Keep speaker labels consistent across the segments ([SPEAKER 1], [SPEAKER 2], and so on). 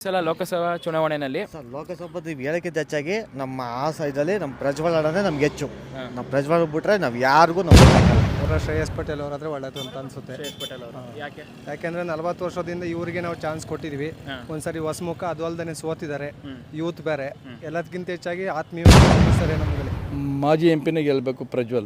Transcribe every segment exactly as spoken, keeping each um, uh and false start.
[SPEAKER 1] ಸಲ ಲೋಕಸಭಾ ಚುನಾವಣೆಯಲ್ಲಿ
[SPEAKER 2] ಸರ್ ಲೋಕಸಭಾ ನೀವು ಹೇಳೋಕ್ಕಿಂತ ಹೆಚ್ಚಾಗಿ ನಮ್ಮ ಆ ಸೈಡಲ್ಲಿ ನಮ್ಮ ಪ್ರಜ್ವಲ್ ಅಣ್ಣನೇ ನಮ್ಗೆ ಹೆಚ್ಚು. ನಮ್ಮ ಪ್ರಜ್ವಲ್ ಬಿಟ್ರೆ ನಾವು ಯಾರಿಗೂ ನಾವು
[SPEAKER 3] ಅವರ ಶ್ರೇಯಸ್ ಪಟೇಲ್ ಅವರಾದ್ರೆ ಒಳ್ಳೇದು ಅಂತ ಅನ್ಸುತ್ತೆ.
[SPEAKER 1] ಶ್ರೇಯಸ್ ಪಟೇಲ್ ಅವರು ಯಾಕೆ
[SPEAKER 3] ಯಾಕೆಂದ್ರೆ ನಲವತ್ತು ವರ್ಷದಿಂದ ಇವರಿಗೆ ನಾವು ಚಾನ್ಸ್ ಕೊಟ್ಟಿದ್ವಿ. ಒಂದ್ಸರಿ ಹೊಸಮುಖ ಅದು ಅಲ್ದೇ ಸೋತಿದ್ದಾರೆ. ಯೂತ್ ಬೇರೆ ಎಲ್ಲದಕ್ಕಿಂತ ಹೆಚ್ಚಾಗಿ ಆತ್ಮೀಯ ಸರಿ ನಮಗೆ
[SPEAKER 4] ಮಾಜಿ ಎಂ ಪಿನೇ ಗೆಲ್ಲಬೇಕು ಪ್ರಜ್ವಲ್.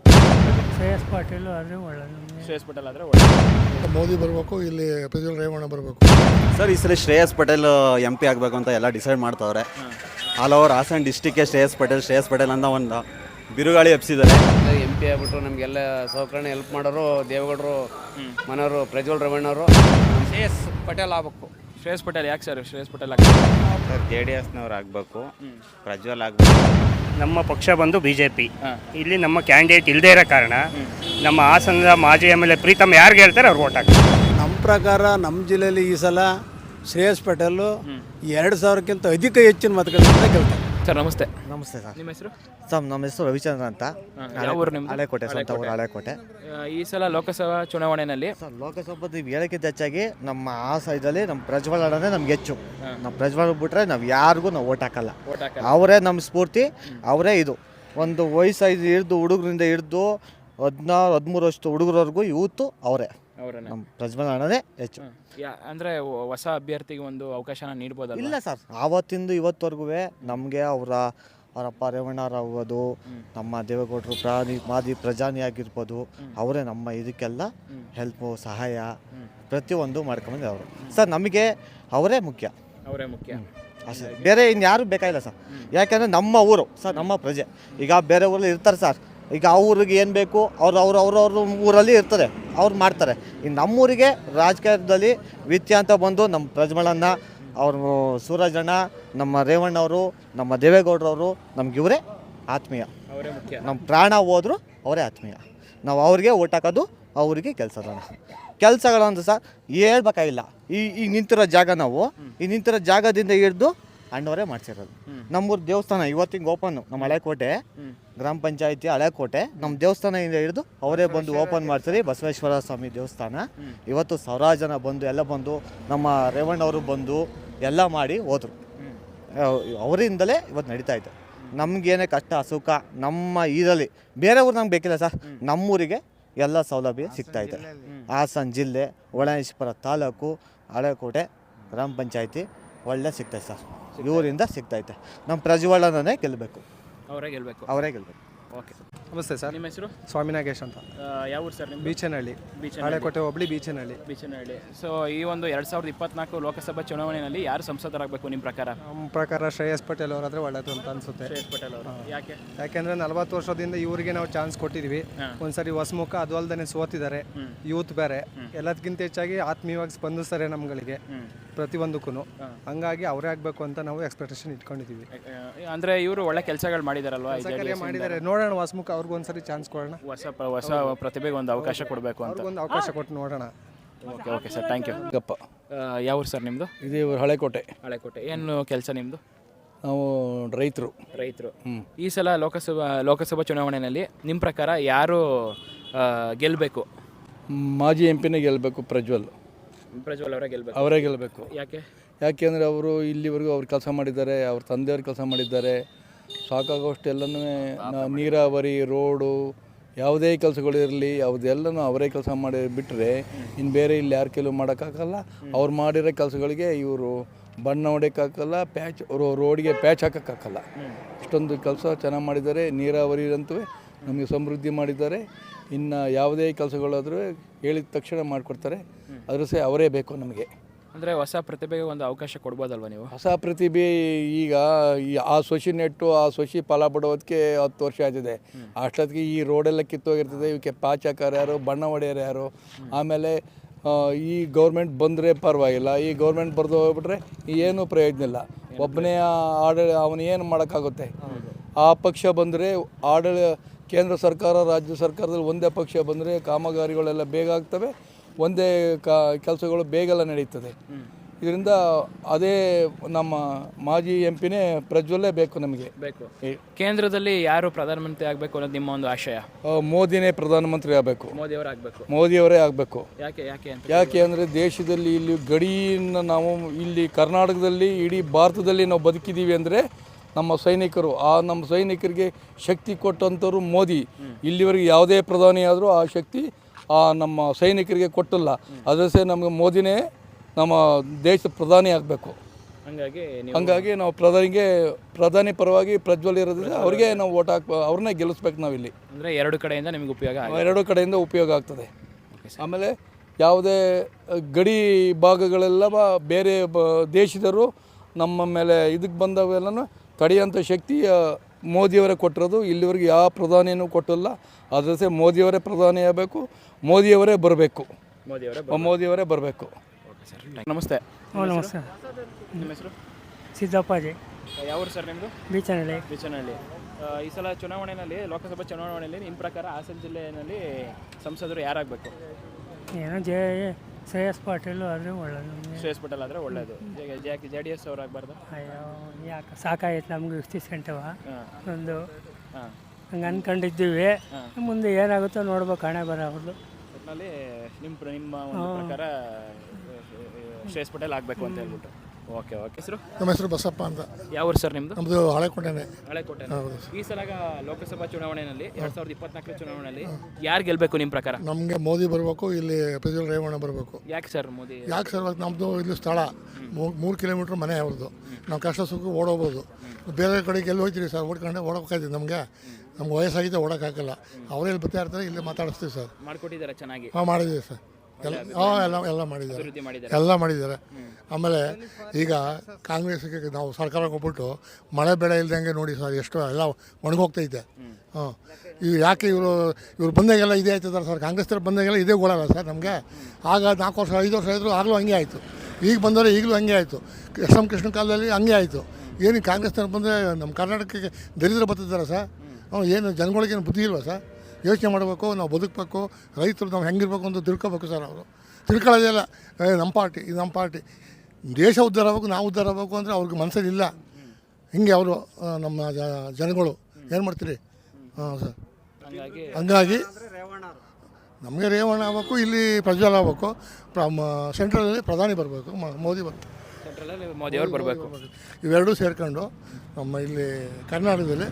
[SPEAKER 5] ಶ್ರೇಯಸ್ ಪಾಟೀಲ್ ಆದರೆ ಒಳ್ಳೆಯದು.
[SPEAKER 1] ಶ್ರೇಯಸ್ ಪಟೇಲ್ ಆದರೆ ಒಳ್ಳೆಯದು.
[SPEAKER 6] ಮೋದಿ ಬರಬೇಕು, ಇಲ್ಲಿ ಪ್ರಜ್ವಲ್ ರೇವಣ್ಣ ಬರಬೇಕು.
[SPEAKER 7] ಸರ್ ಈ ಸಲ ಶ್ರೇಯಸ್ ಪಟೇಲ್ ಎಂ ಪಿ ಆಗಬೇಕು ಅಂತ ಎಲ್ಲ ಡಿಸೈಡ್ ಮಾಡ್ತಾವ್ರೆ. ಆಲ್ ಓವರ್ ಹಾಸನ ಡಿಸ್ಟಿಕ್ಗೆ ಶ್ರೇಯಸ್ ಪಟೇಲ್ ಶ್ರೇಯಸ್ ಪಟೇಲ್ ಅಂತ ಒಂದು ಬಿರುಗಾಳಿ ಎಬ್ಸಿದ್ದಾರೆ.
[SPEAKER 8] ಎಂ ಪಿ ಆಗ್ಬಿಟ್ಟು ನಮಗೆಲ್ಲ ಸೌಕರ್ಯ ಹೆಲ್ಪ್ ಮಾಡೋರು ದೇವೇಗೌಡರು ಮನೆಯವರು ಪ್ರಜ್ವಲ್ ರೇವಣ್ಣ ಅವರು. ಶ್ರೇಯಸ್ ಪಟೇಲ್ ಆಗಬೇಕು.
[SPEAKER 1] ಶ್ರೇಯಸ್ ಪಟೇಲ್ ಯಾಕೆ ಸರ್ ಶ್ರೇಯಸ್ ಪಟೇಲ್ ಆಗ್ಬೇಕು?
[SPEAKER 9] ಸರ್ ಜೆ ಡಿ ಎಸ್ನವ್ರು ಆಗಬೇಕು, ಪ್ರಜ್ವಲ್ ಆಗಬೇಕು.
[SPEAKER 5] ನಮ್ಮ ಪಕ್ಷ ಬಂದು ಬಿ ಜೆ ಪಿ. ಇಲ್ಲಿ ನಮ್ಮ ಕ್ಯಾಂಡಿಡೇಟ್ ಇಲ್ಲದೇ ಇರೋ ಕಾರಣ ನಮ್ಮ ಹಾಸನದ ಮಾಜಿ ಎಮ್ ಎಲ್ ಎ ಪ್ರೀತಮ್ ಯಾರಿಗೆ ಹೇಳ್ತಾರೆ ಅವ್ರು ಓಟ್ ಹಾಕ್ತಾರೆ.
[SPEAKER 10] ನಮ್ಮ ಪ್ರಕಾರ ನಮ್ಮ ಜಿಲ್ಲೆಯಲ್ಲಿ ಈ ಸಲ ಶ್ರೇಯಸ್ ಪಟೇಲು ಎರಡು ಸಾವಿರಕ್ಕಿಂತ ಅಧಿಕ ಹೆಚ್ಚಿನ ಮತಗಳಿಂದ ಗೆಲ್ತಾರೆ.
[SPEAKER 1] ಸರ್ ನಮಸ್ತೆ.
[SPEAKER 2] ನಮಸ್ತೆ ಸರ್.
[SPEAKER 1] ನಿಮ್ಮ ಹೆಸರು?
[SPEAKER 2] ಸರ್ ನಮ್ಮ ಹೆಸರು ರವಿಚಂದ್ರ ಅಂತ.
[SPEAKER 1] ಯಾವ ಊರು ನಿಮ್ದು?
[SPEAKER 2] ಹಳೆಕೋಟೆ ಸ್ವಂತ ಊರು ಹಳೆಕೋಟೆ.
[SPEAKER 1] ಈ ಸಲ ಲೋಕಸಭಾ ಚುನಾವಣೆಯಲ್ಲಿ
[SPEAKER 2] ಸರ್ ಲೋಕಸಭಾ ನೀವು ಹೇಳೋಕ್ಕಿಂತ ಹೆಚ್ಚಾಗಿ ನಮ್ಮ ಆ ಸೈಡಲ್ಲಿ ನಮ್ಮ ಪ್ರಜ್ವಲ್ ಅಣ್ಣನೇ ನಮ್ಗೆ ಹೆಚ್ಚು. ನಮ್ಮ ಪ್ರಜ್ವಲ್ ಬಿಟ್ರೆ ನಾವು ಯಾರಿಗೂ ನಾವು ಓಟ್ ಹಾಕಲ್ಲ. ಅವರೇ ನಮ್ಮ ಸ್ಫೂರ್ತಿ, ಅವರೇ ಇದು. ಒಂದು ವಯಸ್ಸೈದು ಹಿಡಿದು ಹುಡುಗರಿಂದ ಹಿಡಿದು ಹದಿನಾರು ಹದಿಮೂರು ವರ್ಷದ ಹುಡುಗರವರೆಗೂ ಯೂತು ಅವರೇ. ನಮ್ಮ ಪ್ರಜ್ವಲ್ ಅಣ್ಣನೇ ಹೆಚ್ಚು.
[SPEAKER 1] ಅಂದರೆ ಹೊಸ ಅಭ್ಯರ್ಥಿಗೆ ಒಂದು ಅವಕಾಶನ ನೀಡ್ಬೋದಲ್ಲ?
[SPEAKER 2] ಇಲ್ಲ ಸರ್, ಆವತ್ತಿಂದು ಇವತ್ತವರೆಗೂ ನಮಗೆ ಅವರ ಅವರಪ್ಪ ರೇವಣ್ಣರಾಗ್ಬೋದು, ನಮ್ಮ ದೇವೇಗೌಡರು ಪ್ರಾಣಿ ಮಾದಿ ಪ್ರಜಾನಿ ಆಗಿರ್ಬೋದು, ಅವರೇ ನಮ್ಮ ಇದಕ್ಕೆಲ್ಲ ಹೆಲ್ಪು ಸಹಾಯ ಪ್ರತಿಯೊಂದು ಮಾಡ್ಕೊಂಬಂದು ಅವರು. ಸರ್ ನಮಗೆ ಅವರೇ ಮುಖ್ಯ.
[SPEAKER 1] ಅವರೇ ಮುಖ್ಯ
[SPEAKER 2] ಅಷ್ಟೇ, ಬೇರೆ ಇನ್ಯಾರು ಬೇಕಾಗಿಲ್ಲ ಸರ್. ಯಾಕೆಂದರೆ ನಮ್ಮ ಊರು ಸರ್, ನಮ್ಮ ಪ್ರಜೆ. ಈಗ ಬೇರೆ ಊರಲ್ಲಿ ಇರ್ತಾರೆ ಸರ್, ಈಗ ಅವ್ರಿಗೆ ಏನು ಬೇಕು ಅವ್ರು ಅವ್ರು ಅವ್ರವ್ರ ಊರಲ್ಲಿ ಇರ್ತದೆ, ಅವ್ರು ಮಾಡ್ತಾರೆ. ಇನ್ನು ನಮ್ಮೂರಿಗೆ ರಾಜಕೀಯದಲ್ಲಿ ವಿತ್ಯ ಅಂತ ಬಂದು ನಮ್ಮ ಪ್ರಜ್ವಲಣ್ಣ, ಅವರು ಸೂರಜಣ್ಣ, ನಮ್ಮ ರೇವಣ್ಣವರು, ನಮ್ಮ ದೇವೇಗೌಡರವರು ನಮ್ಗೆ ಇವರೇ ಆತ್ಮೀಯ.
[SPEAKER 1] ಅವರೇ ಮುಖ್ಯ.
[SPEAKER 2] ನಮ್ಮ ಪ್ರಾಣ ಹೋದ್ರು ಅವರೇ ಆತ್ಮೀಯ. ನಾವು ಅವ್ರಿಗೆ ಓಟ್ ಹಾಕೋದು, ಅವರಿಗೆ ಕೆಲಸಗಳನ್ನ ಕೆಲಸಗಳಂತ ಸರ್ ಹೇಳ್ಬೇಕಾಗಿಲ್ಲ. ಈ ಈಗ ನಿಂತಿರೋ ಜಾಗ ನಾವು ಈ ನಿಂತಿರೋ ಜಾಗದಿಂದ ಹಿಡಿದು ಅಣ್ಣವರೇ ಮಾಡ್ಸಿರೋದು. ನಮ್ಮೂರು ದೇವಸ್ಥಾನ ಇವತ್ತಿಗೆ ಓಪನ್, ನಮ್ಮ ಹಳೆಕೋಟೆ ಗ್ರಾಮ ಪಂಚಾಯತಿ ಹಳೆಕೋಟೆ ನಮ್ಮ ದೇವಸ್ಥಾನದಿಂದ ಹಿಡಿದು ಅವರೇ ಬಂದು ಓಪನ್ ಮಾಡ್ತಾರೆ. ಬಸವೇಶ್ವರ ಸ್ವಾಮಿ ದೇವಸ್ಥಾನ ಇವತ್ತು ಸಾವಿರಾರು ಜನ ಬಂದು ಎಲ್ಲ ಬಂದು ನಮ್ಮ ರೇವಣ್ಣವರು ಬಂದು ಎಲ್ಲ ಮಾಡಿ ಹೋದರು. ಅವರಿಂದಲೇ ಇವತ್ತು ನಡೀತಾ ಇದೆ. ನಮಗೇನೇ ಕಷ್ಟ ಸುಖ ನಮ್ಮ ಇದರಲ್ಲಿ ಬೇರೆ ಊರು ನಮ್ಗೆ ಬೇಕಿಲ್ಲ ಸರ್. ನಮ್ಮೂರಿಗೆ ಎಲ್ಲ ಸೌಲಭ್ಯ ಸಿಗ್ತಾಯಿದೆ. ಹಾಸನ ಜಿಲ್ಲೆ ಹೊಳೆನರಸೀಪುರ ತಾಲೂಕು ಹಳೆಕೋಟೆ ಗ್ರಾಮ ಪಂಚಾಯತಿ ಒಳ್ಳೆ ಸಿಗ್ತೈತೆ ಸರ್. ಇವರಿಂದ ಸಿಗ್ತೈತೆ. ನಮ್ಮ ಪ್ರಜ್ವಲನೇ ಗೆಲ್ಲಬೇಕು.
[SPEAKER 1] ಅವರೇ ಗೆಲ್ಲಬೇಕು.
[SPEAKER 2] ಅವರೇ ಗೆಲ್ಲಬೇಕು.
[SPEAKER 1] ಓಕೆ.
[SPEAKER 3] ನಮಸ್ತೆ ಸರ್.
[SPEAKER 1] ನಿಮ್ಮ ಹೆಸರು?
[SPEAKER 3] ಸ್ವಾಮಿ ನಾಗೇಶ್ ಅಂತ.
[SPEAKER 1] ಯಾವ ಊರು ಸರ್? ನಿಮ್ಮ
[SPEAKER 3] ಬೀಚನಹಳ್ಳಿ. ಹಳೆಕೋಟೆ ಹೋಬಳಿ ಬೀಚನಹಳ್ಳಿ.
[SPEAKER 1] ಬೀಚನಹಳ್ಳಿ. ಸೊ ಈ ಒಂದು ಎರಡು ಸಾವಿರದ ಇಪ್ಪತ್ನಾಲ್ಕು ಲೋಕಸಭಾ ಚುನಾವಣೆಯಲ್ಲಿ ಯಾರು ಸಂಸದರಾಗಬೇಕು ನಿಮ್ಮ ಪ್ರಕಾರ?
[SPEAKER 3] ನಮ್ಮ ಪ್ರಕಾರ ಶ್ರೇಯಸ್ ಪಟೇಲ್ ಅವರಾದ್ರೆ ಒಳ್ಳೇದು ಅಂತ ಅನ್ಸುತ್ತೆ.
[SPEAKER 1] ಶ್ರೇಯಸ್ ಪಟೇಲ್ ಅವರು ಯಾಕೆ?
[SPEAKER 3] ಯಾಕೆಂದ್ರೆ ನಲವತ್ತು ವರ್ಷದಿಂದ ಇವರಿಗೆ ನಾವು ಚಾನ್ಸ್ ಕೊಟ್ಟಿದ್ವಿ. ಒಂದ್ಸರಿ ಹೊಸಮುಖ ಅದು ಅಲ್ದೇ ಸೋತಿದ್ದಾರೆ. ಯೂತ್ ಬೇರೆ ಎಲ್ಲದಕ್ಕಿಂತ ಹೆಚ್ಚಾಗಿ ಆತ್ಮೀಯವಾಗಿ ಸ್ಪಂದಿಸ್ತಾರೆ ನಮ್ಗಳಿಗೆ ಪ್ರತಿಯೊಂದಕ್ಕೂ. ಹಂಗಾಗಿ ಅವರೇ ಆಗಬೇಕು ಅಂತ ನಾವು ಎಕ್ಸ್ಪೆಕ್ಟೇಷನ್ ಇಟ್ಕೊಂಡಿದ್ದೀವಿ.
[SPEAKER 1] ಅಂದರೆ ಇವರು ಒಳ್ಳೆ ಕೆಲಸಗಳು ಮಾಡಿದಾರಲ್ವಾ?
[SPEAKER 3] ಮಾಡಿದ್ದಾರೆ, ನೋಡೋಣ. ಹೊಸಮುಖ ಅವ್ರಿಗೆ ಒಂದ್ಸರಿ ಚಾನ್ಸ್ ಕೊಡೋಣ.
[SPEAKER 1] ಹೊಸ ಹೊಸ ಪ್ರತಿಭೆಗೆ ಒಂದು ಅವಕಾಶ ಕೊಡಬೇಕು ಅಂತ.
[SPEAKER 3] ಒಂದು ಅವಕಾಶ ಕೊಟ್ಟು ನೋಡೋಣ.
[SPEAKER 1] Okay okay sir, thank you.
[SPEAKER 4] ಗಪ್ಪ.
[SPEAKER 1] ಯಾವ ಊರು ಸರ್ ನಿಮ್ಮದು?
[SPEAKER 4] ಇದು ಹಳೆಕೋಟೆ.
[SPEAKER 1] ಹಳೆಕೋಟೆ. ಏನು ಕೆಲಸ ನಿಮ್ಮದು?
[SPEAKER 4] ನಾವು ರೈತರು.
[SPEAKER 1] ರೈತರು. ಈ ಸಲ ಲೋಕಸಭಾ ಲೋಕಸಭಾ ಚುನಾವಣೆಯಲ್ಲಿ ನಿಮ್ಮ ಪ್ರಕಾರ ಯಾರು ಗೆಲ್ಲಬೇಕು?
[SPEAKER 4] ಮಾಜಿ ಎಂ ಪಿನೇ ಗೆಲ್ಲಬೇಕು ಪ್ರಜ್ವಲ್.
[SPEAKER 1] ಪ್ರಜ್ವಲ್ ಅವರೇ ಗೆಲ್ಲಬೇಕು.
[SPEAKER 4] ಅವರೇ ಗೆಲ್ಲಬೇಕು.
[SPEAKER 1] ಯಾಕೆ?
[SPEAKER 4] ಯಾಕೆಂದರೆ ಅವರು ಇಲ್ಲಿವರೆಗೂ ಅವ್ರು ಕೆಲಸ ಮಾಡಿದ್ದಾರೆ, ಅವ್ರ ತಂದೆಯವ್ರು ಕೆಲಸ ಮಾಡಿದ್ದಾರೆ. ಸಾಕಾಗೋಷ್ಟು ಎಲ್ಲನೂ ನೀರಾವರಿ, ರೋಡು, ಯಾವುದೇ ಕೆಲಸಗಳಿರಲಿ ಯಾವುದೆಲ್ಲನೂ ಅವರೇ ಕೆಲಸ ಮಾಡಿ ಬಿಟ್ಟರೆ ಇನ್ನು ಬೇರೆ ಇಲ್ಲಿ ಯಾರು ಕೆಲವು ಮಾಡೋಕ್ಕಾಗಲ್ಲ. ಅವ್ರು ಮಾಡಿರೋ ಕೆಲಸಗಳಿಗೆ ಇವರು ಬಣ್ಣ ಹೊಡೆಯೋಕ್ಕಾಗಲ್ಲ, ಪ್ಯಾಚ್ ರೋಡಿಗೆ ಪ್ಯಾಚ್ ಹಾಕೋಕ್ಕಾಗಲ್ಲ. ಇಷ್ಟೊಂದು ಕೆಲಸ ಚೆನ್ನಾಗಿ ಮಾಡಿದ್ದಾರೆ. ನೀರಾವರಿ ಅಂತೂ ನಮಗೆ ಸಮೃದ್ಧಿ ಮಾಡಿದ್ದಾರೆ. ಇನ್ನು ಯಾವುದೇ ಕೆಲಸಗಳಾದರೂ ಹೇಳಿದ ತಕ್ಷಣ ಮಾಡಿಕೊಡ್ತಾರೆ. ಅದ್ರ ಸಹ ಅವರೇ ಬೇಕು ನಮಗೆ.
[SPEAKER 1] ಅಂದರೆ ಹೊಸ ಪ್ರತಿಭೆಗೆ ಒಂದು ಅವಕಾಶ ಕೊಡ್ಬೋದಲ್ವ ನೀವು?
[SPEAKER 4] ಹೊಸ ಪ್ರತಿಭೆ ಈಗ ಆ ಸೊಸಿ ನೆಟ್ಟು ಆ ಸೊಸಿ ಫಲ ಬಿಡೋದಕ್ಕೆ ಹತ್ತು ವರ್ಷ ಆಯ್ತದೆ. ಅಷ್ಟೊತ್ತಿಗೆ ಈ ರೋಡೆಲ್ಲ ಕಿತ್ತೋಗಿರ್ತದೆ. ಇವಕ್ಕೆ ಪ್ಯಾಚ್ ಹಾಕೋರು ಯಾರು, ಬಣ್ಣ ಹೊಡೆಯೋರು ಯಾರು? ಆಮೇಲೆ ಈ ಗೌರ್ಮೆಂಟ್ ಬಂದರೆ ಪರವಾಗಿಲ್ಲ, ಈ ಗೌರ್ಮೆಂಟ್ ಬರೆದು ಹೋಗ್ಬಿಟ್ರೆ ಏನೂ ಪ್ರಯೋಜನ ಇಲ್ಲ. ಒಬ್ಬನೇ ಆಡಳಿ ಅವನು ಏನು ಮಾಡೋಕ್ಕಾಗುತ್ತೆ? ಆ ಪಕ್ಷ ಬಂದರೆ ಆಡಳಿ ಕೇಂದ್ರ ಸರ್ಕಾರ ರಾಜ್ಯ ಸರ್ಕಾರದಲ್ಲಿ ಒಂದೇ ಪಕ್ಷ ಬಂದರೆ ಕಾಮಗಾರಿಗಳೆಲ್ಲ ಬೇಗ ಆಗ್ತವೆ, ಒಂದೇ ಕಾ ಕೆಲಸಗಳು ಬೇಗೆಲ್ಲ ನಡೀತದೆ. ಇದರಿಂದ ಅದೇ ನಮ್ಮ ಮಾಜಿ ಎಂ ಪಿನೇ ಪ್ರಜ್ವಲ್ಲೇ ಬೇಕು ನಮಗೆ.
[SPEAKER 1] ಬೇಕು. ಕೇಂದ್ರದಲ್ಲಿ ಯಾರು ಪ್ರಧಾನಮಂತ್ರಿ ಆಗಬೇಕು ಅನ್ನೋದು ನಿಮ್ಮ ಒಂದು ಆಶಯ?
[SPEAKER 4] ಮೋದಿನೇ ಪ್ರಧಾನಮಂತ್ರಿ ಆಗಬೇಕು.
[SPEAKER 1] ಮೋದಿಯವರೇ ಆಗಬೇಕು.
[SPEAKER 4] ಮೋದಿಯವರೇ ಆಗಬೇಕು.
[SPEAKER 1] ಯಾಕೆ ಯಾಕೆ ಅಂತ?
[SPEAKER 4] ಯಾಕೆ ಅಂದರೆ ದೇಶದಲ್ಲಿ ಇಲ್ಲಿ ಗಡಿಯನ್ನು ನಾವು ಇಲ್ಲಿ ಕರ್ನಾಟಕದಲ್ಲಿ ಇಡೀ ಭಾರತದಲ್ಲಿ ನಾವು ಬದುಕಿದ್ದೀವಿ ಅಂದರೆ ನಮ್ಮ ಸೈನಿಕರು. ಆ ನಮ್ಮ ಸೈನಿಕರಿಗೆ ಶಕ್ತಿ ಕೊಟ್ಟಂಥವ್ರು ಮೋದಿ. ಇಲ್ಲಿವರೆಗೆ ಯಾವುದೇ ಪ್ರಧಾನಿ ಆದರೂ ಆ ಶಕ್ತಿ ಆ ನಮ್ಮ ಸೈನಿಕರಿಗೆ ಕೊಟ್ಟಿಲ್ಲ. ಅದರಸೇ ನಮಗೆ ಮೋದಿನೇ ನಮ್ಮ ದೇಶದ ಪ್ರಧಾನಿ ಆಗಬೇಕು.
[SPEAKER 1] ಹಂಗಾಗಿ
[SPEAKER 4] ಹಂಗಾಗಿ ನಾವು ಪ್ರಧಾನಿಗೆ ಪ್ರಧಾನಿ ಪರವಾಗಿ ಪ್ರಜ್ವಲ್ ಇರೋದ್ರಿಂದ ಅವ್ರಿಗೆ ನಾವು ಓಟ್ ಹಾಕ್ ಅವ್ರನ್ನೇ ಗೆಲ್ಲಿಸ್ಬೇಕು ನಾವಿಲ್ಲಿ.
[SPEAKER 1] ಅಂದರೆ ಎರಡು ಕಡೆಯಿಂದ ನಿಮಗೆ ಉಪಯೋಗ
[SPEAKER 4] ಎರಡು ಕಡೆಯಿಂದ ಉಪಯೋಗ ಆಗ್ತದೆ. ಆಮೇಲೆ ಯಾವುದೇ ಗಡಿ ಭಾಗಗಳೆಲ್ಲ ಬೇರೆ ಬ ದೇಶದವರು ನಮ್ಮ ಮೇಲೆ ಇದಕ್ಕೆ ಬಂದವೆಲ್ಲನೂ ತಡೆಯೋಂಥ ಶಕ್ತಿ ಮೋದಿಯವರೇ ಕೊಟ್ಟಿರೋದು. ಇಲ್ಲಿವರೆಗೆ ಯಾವ ಪ್ರಧಾನಿಯೂ ಕೊಟ್ಟಿಲ್ಲ. ಅದರಸೇ ಮೋದಿಯವರೇ ಪ್ರಧಾನಿ ಆಗಬೇಕು, ಮೋದಿಯವರೇ ಬರಬೇಕು,
[SPEAKER 1] ಮೋದಿಯವರೇ
[SPEAKER 4] ಮೋದಿಯವರೇ ಬರಬೇಕು.
[SPEAKER 1] ನಮಸ್ತೆ.
[SPEAKER 11] ನಮಸ್ತೆ.
[SPEAKER 1] ನಿಮ್ಮ ಹೆಸರು?
[SPEAKER 11] ಸಿದ್ದಪ್ಪಾಜಿ.
[SPEAKER 1] ಯಾವ ಊರು ಸರ್ ನಿಮ್ಮದು?
[SPEAKER 11] ಬೀಚನಹಳ್ಳಿ.
[SPEAKER 1] ಬೀಚನಹಳ್ಳಿ. ಈ ಸಲ ಚುನಾವಣೆಯಲ್ಲಿ ಲೋಕಸಭಾ ಚುನಾವಣೆಯಲ್ಲಿ ನಿಮ್ಮ ಪ್ರಕಾರ ಹಾಸನ ಜಿಲ್ಲೆಯಲ್ಲಿ ಸಂಸದರು ಯಾರಾಗಬೇಕು?
[SPEAKER 11] ಏನೋ ಜೆ ಶ್ರೇಯಸ್ ಪಾಟೀಲ್ ಆದರೆ ಒಳ್ಳೆಯದು ನಮಗೆ.
[SPEAKER 1] ಶ್ರೇಯಸ್ ಪಟೇಲ್ ಆದರೆ ಒಳ್ಳೆಯದು. ಯಾಕೆ ಜೆ ಡಿ ಎಸ್ ಅವ್ರು ಆಗಬಾರ್ದು?
[SPEAKER 11] ಅಯ್ಯೋ ಯಾಕೆ ಸಾಕಾಯ್ತು ನಮ್ಗೆ ಇಷ್ಟಿಸ್ಕೊಂಡವ ಒಂದು
[SPEAKER 1] ಹಾಂ
[SPEAKER 11] ಹಂಗೆ ಅಂದ್ಕೊಂಡಿದ್ದೀವಿ. ಮುಂದೆ ಏನಾಗುತ್ತೋ ನೋಡ್ಬೇಕು, ಹಣೆ ಬರೋದು.
[SPEAKER 1] ಒಟ್ಟಿನಲ್ಲಿ ನಿಮ್ಮ ನಿಮ್ಮ ಒಂದು ಪ್ರಕಾರ ಶ್ರೇಯಸ್ ಪಟೇಲ್ ಆಗಬೇಕು ಅಂತ ಹೇಳ್ಬಿಟ್ಟು. Okay okay. ಹೆಸರು?
[SPEAKER 6] ನಮ್ಮ ಹೆಸರು ಬಸಪ್ಪ ಅಂತ.
[SPEAKER 1] ಯಾವ ಊರು ಸರ್ ನಿಮ್ಮದು?
[SPEAKER 6] ನಮ್ಮದು ಹಳೆಕೋಟೆನೆ.
[SPEAKER 1] ಹಳೆಕೋಟೆ. ಈ ಸಲ ಲೋಕಸಭಾ ಚುನಾವಣೆಯಲ್ಲಿ ಎರಡು ಸಾವಿರದ ಇಪ್ಪತ್ನಾಲ್ಕರ ಚುನಾವಣೆಯಲ್ಲಿ ಯಾರು ಗೆಲ್ಲಬೇಕು ನಿಮ್ಮ ಪ್ರಕಾರ?
[SPEAKER 6] ನಮಗೆ ಮೋದಿ ಬರಬೇಕು, ಇಲ್ಲಿ ಪ್ರಜ್ವಲ್ ರೇವಣ್ಣ ಬರಬೇಕು.
[SPEAKER 1] ಯಾಕೆ ಸರ್ ಮೋದಿ?
[SPEAKER 6] ಯಾಕೆ ಸರ್ ನಮ್ಮದು ಇಲ್ಲಿ ಸ್ಥಳ ಮೂರು ಕಿಲೋಮೀಟ್ರ್ ಮನೆ ಅವ್ರದ್ದು. ನಾವು ಕಷ್ಟ ಸುಖ ಓಡೋಗ್ಬೋದು. ಬೇರೆ ಕಡೆಗೆ ಎಲ್ಲಿ ಹೋಗ್ತೀರಿ ಸರ್? ಓಡ್ಕೊಂಡೆ ಓಡೋಕ್ಕಾಯ್ತೀವಿ. ನಮಗೆ ನಮ್ಗೆ ವಯಸ್ಸಾಗಿದೆ, ಓಡೋಕ್ಕಾಗಲ್ಲ. ಅವರೇ ಇಲ್ಲಿ ಬರ್ತಾ ಇರ್ತಾರೆ, ಇಲ್ಲೇ ಮಾತಾಡಿಸ್ತೀವಿ ಸರ್.
[SPEAKER 1] ಮಾಡ್ಕೊಟ್ಟಿದ್ದಾರೆ ಚೆನ್ನಾಗಿ?
[SPEAKER 6] ಹಾಂ ಮಾಡಿದ್ದೀವಿ ಸರ್. ಎಲ್ಲ ಹಾಂ ಎಲ್ಲ ಎಲ್ಲ ಮಾಡಿದ್ದಾರೆ, ಎಲ್ಲ ಮಾಡಿದ್ದಾರೆ. ಆಮೇಲೆ ಈಗ ಕಾಂಗ್ರೆಸ್ಗೆ ನಾವು ಸರ್ಕಾರ ಕೊಟ್ಬಿಟ್ಟು ಮಳೆ ಬೆಳೆ ಇಲ್ದಂಗೆ ನೋಡಿ ಸರ್, ಎಷ್ಟು ಎಲ್ಲ ಒಣಗೋಗ್ತೈತೆ. ಹಾಂ ಇವು ಯಾಕೆ ಇವರು ಇವ್ರು ಬಂದಾಗೆಲ್ಲ ಇದೇ ಆಯ್ತದಾರೆ ಸರ್. ಕಾಂಗ್ರೆಸ್ ಥರ ಬಂದಾಗೆಲ್ಲ ಇದೇ ಗೋಳಲ್ಲ ಸರ್ ನಮಗೆ. ಆಗ ನಾಲ್ಕು ವರ್ಷ ಐದು ವರ್ಷ ಆಯಿತು, ಆಗಲೂ ಹಂಗೆ ಆಯಿತು. ಈಗ ಬಂದವರೆ ಈಗಲೂ ಹಂಗೆ ಆಯಿತು. ಎಸ್ ಎಂ ಕೃಷ್ಣ ಕಾಲದಲ್ಲಿ ಹಂಗೆ ಆಯಿತು. ಏನು ಕಾಂಗ್ರೆಸ್ ಥರ ಬಂದರೆ ನಮ್ಮ ಕರ್ನಾಟಕಕ್ಕೆ ದರಿದ್ರ ಬರ್ತಿದ್ದಾರೆ ಸರ್. ಹ್ಞೂ ಏನು ಜನಗಳಿಗೇನು ಬುದ್ಧಿ ಇಲ್ವಾ ಸರ್? ಯೋಚನೆ ಮಾಡಬೇಕು, ನಾವು ಬದುಕಬೇಕು, ರೈತರು ನಾವು ಹೆಂಗಿರ್ಬೇಕು ಅಂತ ತಿಳ್ಕೊಬೇಕು ಸರ್. ಅವರು ತಿಳ್ಕೊಳ್ಳೋದಿಲ್ಲ. ನಮ್ಮ ಪಾರ್ಟಿ ಇದು ನಮ್ಮ ಪಾರ್ಟಿ, ದೇಶ ಉದ್ಧಾರ ಆಗಬೇಕು, ನಾವು ಉದ್ಧಾರ ಆಗಬೇಕು ಅಂದರೆ ಅವ್ರಿಗೆ ಮನಸ್ಸಲ್ಲಿಲ್ಲ. ಹಿಂಗೆ ಅವರು ನಮ್ಮ ಜನಗಳು ಏನು ಮಾಡ್ತೀರಿ? ಹಾಂ ಸರ್. ಹಂಗಾಗಿ ನಮಗೆ ರೇವಣ್ಣ ಆಗಬೇಕು, ಇಲ್ಲಿ ಪ್ರಜ್ವಲ್ ಆಗಬೇಕು, ಸೆಂಟ್ರಲಲ್ಲಿ ಪ್ರಧಾನಿ ಬರಬೇಕು, ಮೋದಿ ಬರಬೇಕು,
[SPEAKER 1] ಸೆಂಟ್ರಲಲ್ಲಿ ಮೋದಿಯವ್ರು ಬರಬೇಕು.
[SPEAKER 6] ಇವೆರಡೂ ಸೇರ್ಕೊಂಡು ನಮ್ಮ ಇಲ್ಲಿ ಕರ್ನಾಟಕದಲ್ಲಿ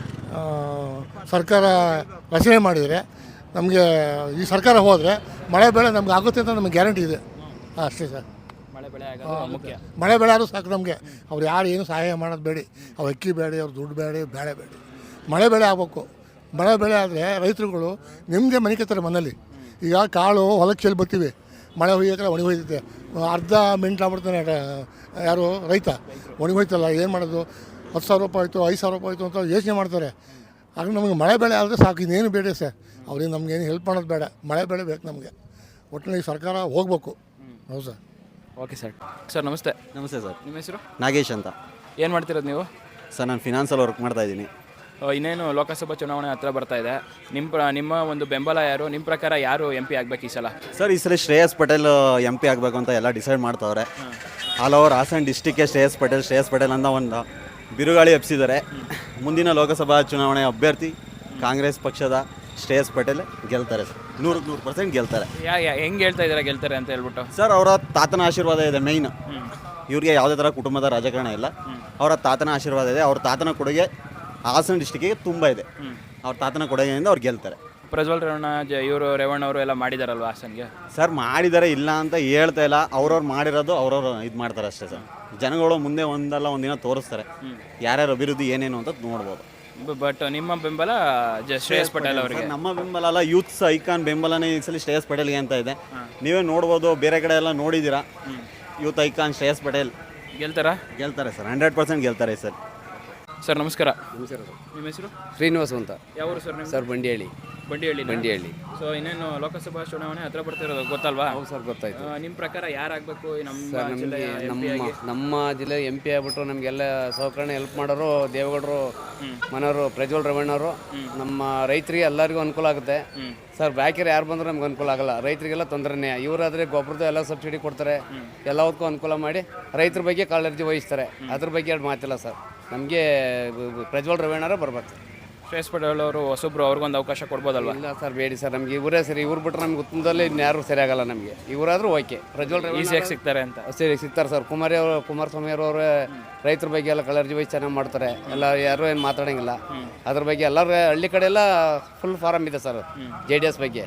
[SPEAKER 6] ಸರ್ಕಾರ ರಚನೆ ಮಾಡಿದರೆ ನಮಗೆ ಈ ಸರ್ಕಾರ ಹೋದರೆ ಮಳೆ ಬೆಳೆ ನಮ್ಗೆ ಆಗುತ್ತೆ ಅಂತ ನಮಗೆ ಗ್ಯಾರಂಟಿ ಇದೆ. ಅಷ್ಟೇ ಸರ್.
[SPEAKER 1] ಮಳೆ ಬೆಳೆ ಆಗೋದು ಮುಖ್ಯ.
[SPEAKER 6] ಮಳೆ ಬೆಳೆ ಆದರೂ ಸಾಕು ನಮಗೆ. ಅವ್ರು ಯಾರು ಏನು ಸಹಾಯ ಮಾಡೋದು ಬೇಡಿ, ಅವ್ರು ಅಕ್ಕಿ ಬೇಡಿ, ಅವ್ರು ದುಡ್ಡು ಬೇಡಿ, ಬೇಳೆ ಬೇಡಿ, ಮಳೆ ಬೆಳೆ ಆಗಬೇಕು. ಮಳೆ ಬೆಳೆ ಆದರೆ ರೈತರುಗಳು ನಿಮ್ಮದೇ ಮನಿಕತ್ತಾರೆ ಮನೇಲಿ. ಈಗ ಕಾಳು ಹೊಲಕ್ಕೆ ಚೆಲ್ಲಿ ಬರ್ತೀವಿ, ಮಳೆ ಹೊಯ್ಯೋಕೆ ಒಣಗಿ ಹೋಯ್ತೈತೆ, ಅರ್ಧ ಮಿಂಟ್ ಆಗ್ಬಿಡ್ತಾನೆ ಯಾರು ರೈತ. ಒಣಗಿ ಹೋಯ್ತಲ್ಲ, ಏನು ಮಾಡೋದು? ಹತ್ತು ಸಾವಿರ ರೂಪಾಯಿ ಆಯಿತು, ಐದು ಸಾವಿರ ರೂಪಾಯಿ ಆಯಿತು ಅಂತ ಯೋಚನೆ ಮಾಡ್ತಾರೆ. ಆಗ ನಮಗೆ ಮಳೆ ಬೆಳೆ ಆದರೆ ಸಾಕು, ಇನ್ನೇನು ಬೇಡ ಸರ್. ಅವ್ರಿಗೆ ನಮಗೇನು ಹೆಲ್ಪ್ ಮಾಡೋದು ಬೇಡ, ಮಳೆ ಬೆಳೆ ಬೇಕು ನಮಗೆ. ಒಟ್ಟಿನಲ್ಲಿ ಸರ್ಕಾರ ಹೋಗ್ಬೇಕು. ಹೌದು ಸರ್.
[SPEAKER 1] Okay sir. ಸರ್ ನಮಸ್ತೆ.
[SPEAKER 7] ನಮಸ್ತೆ ಸರ್.
[SPEAKER 1] ನಿಮ್ಮ ಹೆಸರು?
[SPEAKER 7] ನಾಗೇಶ್ ಅಂತ.
[SPEAKER 1] ಏನು ಮಾಡ್ತಿರೋದು ನೀವು?
[SPEAKER 7] ಸರ್ ನಾನು ಫಿನಾನ್ಸಲ್ಲಿ ವರ್ಕ್ ಮಾಡ್ತಾ ಇದ್ದೀನಿ.
[SPEAKER 1] ಇನ್ನೇನು ಲೋಕಸಭಾ ಚುನಾವಣೆ ಹತ್ರ ಬರ್ತಾ ಇದೆ. ನಿಮ್ಮ ಪ್ರ ನಿಮ್ಮ ಒಂದು ಬೆಂಬಲ ಯಾರು? ನಿಮ್ಮ ಪ್ರಕಾರ ಯಾರು ಎಂ ಪಿ ಆಗಬೇಕು ಈ ಸಲ?
[SPEAKER 7] ಸರ್ ಈ ಸಲ ಶ್ರೇಯಸ್ ಪಟೇಲ್ ಎಂ ಪಿ ಆಗಬೇಕು ಅಂತ ಎಲ್ಲ ಡಿಸೈಡ್ ಮಾಡ್ತಾವ್ರೆ. ಆಲ್ ಓವರ್ ಹಾಸನ ಡಿಸ್ಟಿಕ್ಗೆ ಶ್ರೇಯಸ್ ಪಟೇಲ್ ಶ್ರೇಯಸ್ ಪಟೇಲ್ ಅಂತ ಒಂದು ಬಿರುಗಾಳಿ ಎಬ್ಸಿದ್ದಾರೆ. ಮುಂದಿನ ಲೋಕಸಭಾ ಚುನಾವಣೆ ಅಭ್ಯರ್ಥಿ ಕಾಂಗ್ರೆಸ್ ಪಕ್ಷದ ಶ್ರೇಯಸ್ ಪಟೇಲ್ ಗೆಲ್ತಾರೆ ಸರ್. ನೂರಕ್ಕೆ ನೂರು ಪರ್ಸೆಂಟ್ ಗೆಲ್ತಾರೆ.
[SPEAKER 1] ಯಾ ಹೆಂಗೆ ಹೇಳ್ತಾ ಇದ್ದಾರೆ ಗೆಲ್ತಾರೆ ಅಂತ ಹೇಳ್ಬಿಟ್ಟು?
[SPEAKER 7] ಸರ್ ಅವರ ತಾತನ ಆಶೀರ್ವಾದ ಇದೆ ಮೇಯ್ನ್. ಇವ್ರಿಗೆ ಯಾವುದೇ ಥರ ಕುಟುಂಬದ ರಾಜಕಾರಣ ಇಲ್ಲ, ಅವರ ತಾತನ ಆಶೀರ್ವಾದ ಇದೆ. ಅವ್ರ ತಾತನ ಕೊಡುಗೆ ಹಾಸನ ಡಿಸ್ಟಿಕ್ಕಿಗೆ ತುಂಬ ಇದೆ. ಅವ್ರ ತಾತನ ಕೊಡುಗೆಯಿಂದ ಅವ್ರು ಗೆಲ್ತಾರೆ.
[SPEAKER 1] ಪ್ರಜ್ವಲ್ ರೇವಣ್ಣ ಜ ಇವರು ರೇವಣ್ಣ ಅವರು ಎಲ್ಲ ಮಾಡಿದಾರಲ್ವ ಹಾಸನ್ಗೆ?
[SPEAKER 7] ಸರ್ ಮಾಡಿದ್ದಾರೆ, ಇಲ್ಲ ಅಂತ ಹೇಳ್ತಾ ಇಲ್ಲ. ಅವ್ರವ್ರು ಮಾಡಿರೋದು ಅವ್ರವ್ರು ಇದು ಮಾಡ್ತಾರೆ ಅಷ್ಟೇ ಸರ್. ಜನಗಳು ಮುಂದೆ ಒಂದಲ್ಲ ಒಂದಿನ ತೋರಿಸ್ತಾರೆ ಯಾರ್ಯಾರು ಅಭಿವೃದ್ಧಿ ಏನೇನು ಅಂತ ನೋಡ್ಬೋದು.
[SPEAKER 1] ಬಟ್ ನಿಮ್ಮ ಬೆಂಬಲ ಜ ಶ್ರೇಯಸ್ ಪಟೇಲ್ ಅವರಿಗೆ?
[SPEAKER 7] ನಮ್ಮ ಬೆಂಬಲ ಅಲ್ಲ, ಯೂತ್ಸ್ ಐಕಾನ್ ಬೆಂಬಲನೇ ಈ ಸಲ ಶ್ರೇಯಸ್ ಪಟೇಲ್ಗೆ ಅಂತ ಇದೆ. ನೀವೇ ನೋಡ್ಬೋದು, ಬೇರೆ ಕಡೆ ಎಲ್ಲ ನೋಡಿದ್ದೀರಾ. Youth icon Shreyas Patel
[SPEAKER 1] ಗೆಲ್ತಾರಾ?
[SPEAKER 7] ಗೆಲ್ತಾರೆ ಸರ್, ಹಂಡ್ರೆಡ್ ಪರ್ಸೆಂಟ್ ಗೆಲ್ತಾರೆ ಸರ್.
[SPEAKER 1] ಸರ್ ನಮಸ್ಕಾರ. ನಿಮ್ಮ ಹೆಸರು?
[SPEAKER 8] ಶ್ರೀನಿವಾಸ ಅಂತ.
[SPEAKER 1] ಯಾವ ಊರು ಸರ್?
[SPEAKER 8] ಸರ್ ಬಂಡಿಹಳ್ಳಿ.
[SPEAKER 1] ಬಂಡಿಹಳ್ಳಿ
[SPEAKER 8] ಬಂಡಿಹಳ್ಳಿ.
[SPEAKER 1] ಸೊ ಇನ್ನೇನು ಲೋಕಸಭಾ ಚುನಾವಣೆ ಹತ್ರ ಬರ್ತಿರೋದು ಗೊತ್ತಲ್ವಾ?
[SPEAKER 8] ಹೌದು ಸರ್, ಗೊತ್ತಾಯ್ತು.
[SPEAKER 1] ನಿಮ್ಮ ಪ್ರಕಾರ ಯಾರಾಗಬೇಕು ನಮ್ಮ
[SPEAKER 8] ಸರ್ ನಮಗೆ
[SPEAKER 1] ಜಿಲ್ಲೆಯ ಎಂ ಪಿ
[SPEAKER 8] ನಮ್ಮ
[SPEAKER 1] ಆಗಿ?
[SPEAKER 8] ನಮ್ಮ ಜಿಲ್ಲೆ ಎಂ ಪಿ ಆಗ್ಬಿಟ್ಟು ನಮಗೆಲ್ಲ ಸೌಕರ್ಯ ಹೆಲ್ಪ್ ಮಾಡೋರು ದೇವೇಗೌಡರು ಮನೆಯವರು ಪ್ರಜ್ವಲ್ ರೇವಣ್ಣವರು. ನಮ್ಮ ರೈತರಿಗೆ ಎಲ್ಲರಿಗೂ ಅನುಕೂಲ ಆಗುತ್ತೆ ಸರ್. ಬಾಕಿರು ಯಾರು ಬಂದರೂ ನಮ್ಗೆ ಅನುಕೂಲ ಆಗಲ್ಲ, ರೈತರಿಗೆಲ್ಲ ತೊಂದರೆನೇ. ಇವರಾದರೆ ಗೊಬ್ಬರದ ಎಲ್ಲ ಸಬ್ಸಿಡಿ ಕೊಡ್ತಾರೆ, ಎಲ್ಲದಕ್ಕೂ ಅನುಕೂಲ ಮಾಡಿ ರೈತರ ಬಗ್ಗೆ ಕಾಳಜಿ ವಹಿಸ್ತಾರೆ. ಅದ್ರ ಬಗ್ಗೆ ಎರಡು ಮಾತಿಲ್ಲ ಸರ್. ನಮಗೆ ಪ್ರಜ್ವಲ್ ರೇವಣ್ಣರೇ ಬರ್ಬೇಕು.
[SPEAKER 1] ಶ್ರೇಯಸ್ ಪಟೇಲ್ ಅವರು ಹೊಸಬ್ರು, ಅವ್ರಿಗೊಂದು ಅವಕಾಶ ಕೊಡ್ಬೋದಲ್ವಾ?
[SPEAKER 8] ಇಲ್ಲ ಸರ್, ಬೇಡಿ ಸರ್. ನಮಗೆ ಇವರೇ ಸರಿ. ಇವ್ರು ಬಿಟ್ಟರೆ ನಮ್ಗೆ ಉತ್ತಮದಲ್ಲಿ ಇನ್ಯಾರು ಸರಿ ಆಗಲ್ಲ ನಮಗೆ. ಇವರಾದರೂ ಓಕೆ. ಪ್ರಜ್ವಲ್ ರೇವಣ್ಣ
[SPEAKER 1] ಈಸಿಯಾಗಿ ಸಿಗ್ತಾರೆ ಅಂತ
[SPEAKER 8] ಸರಿ ಸಿಗ್ತಾರೆ ಸರ್. ಕುಮಾರಿ ಅವರು ಕುಮಾರಸ್ವಾಮಿ ಅವರು ರೈತರ ಬಗ್ಗೆ ಎಲ್ಲ ಕಾಳಜಿ ವಹಿಸಿ ಚೆನ್ನಾಗಿ ಮಾಡ್ತಾರೆ. ಎಲ್ಲ ಯಾರು ಏನು ಮಾತಾಡೋಂಗಿಲ್ಲ ಅದ್ರ ಬಗ್ಗೆ. ಎಲ್ಲರೂ ಹಳ್ಳಿ ಕಡೆ ಎಲ್ಲ ಫುಲ್ ಫಾರಮ್ ಇದೆ ಸರ್ ಜೆ ಡಿ ಎಸ್ ಬಗ್ಗೆ.